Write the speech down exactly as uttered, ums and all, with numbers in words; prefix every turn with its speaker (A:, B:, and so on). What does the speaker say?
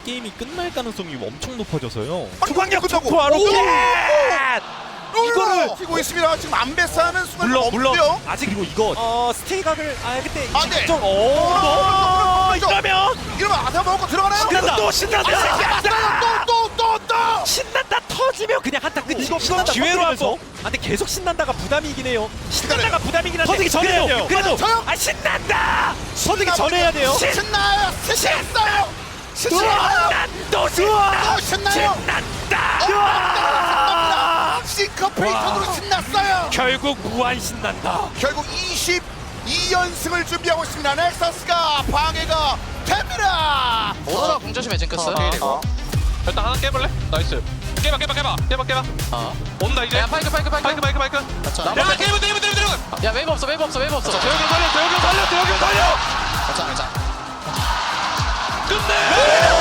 A: 게임이 끝날 가능성이 엄청 높아져서요.
B: 투광력
C: 끝나고.
B: 투하로
C: 오!
B: 이거를
C: 튀고 있습니다. 지금 안배사는 순간
B: 물론 물론
C: 없고요.
B: 아직 그리고 이거
A: 어 스테이각을 아 그때
C: 아, 네.
B: 좀
C: 어,
B: 어,
C: 그렇죠.
B: 이러면
C: 이러면 아사 먹고 들어가나요?
B: 신난다 또 신난다
C: 또또 또 또.
B: 신난다 터지면 그냥 한타 끝
A: 이거
B: 이거 기회로
A: 터뜨리면서.
B: 한번 아 근데 계속 신난다가 부담이긴 해요 신난다가
C: 기다려요.
B: 부담이긴 한데
A: 터지기 전에 해야 돼요.
B: 그래도
C: 저요?
B: 아 신난다
A: 터지기 전에 해야 돼요.
C: 신나요. 신났어요. 신나요.
B: 신난다 또 신난다
C: 또 신나요.
B: 신난다
C: 싱커페이턴으로 신났어요.
B: 결국 무한 신난다
C: 결국 이십이 연승을 준비하고 있습니다. 넥서스가 방해가 됩니다.
D: 오너라 공조심해 징크스.
C: 어.
E: 일단 하나 깨볼래? 나이스. 깨봐 깨봐 깨봐 깨봐 깨봐.
D: 어.
E: 온다 이제.
D: 야 파이크 파이크 파이크.
E: 마이크 마이크 마이크.
C: 자,
D: 나-
E: 야 깨면 되면 되면 되면.
D: 야 웨이브 없어 웨이브 없어 웨이브 없어.
E: 대혁이 살려 대혁이 살려 대혁이 살려.
C: 자, 자.
E: 끝내.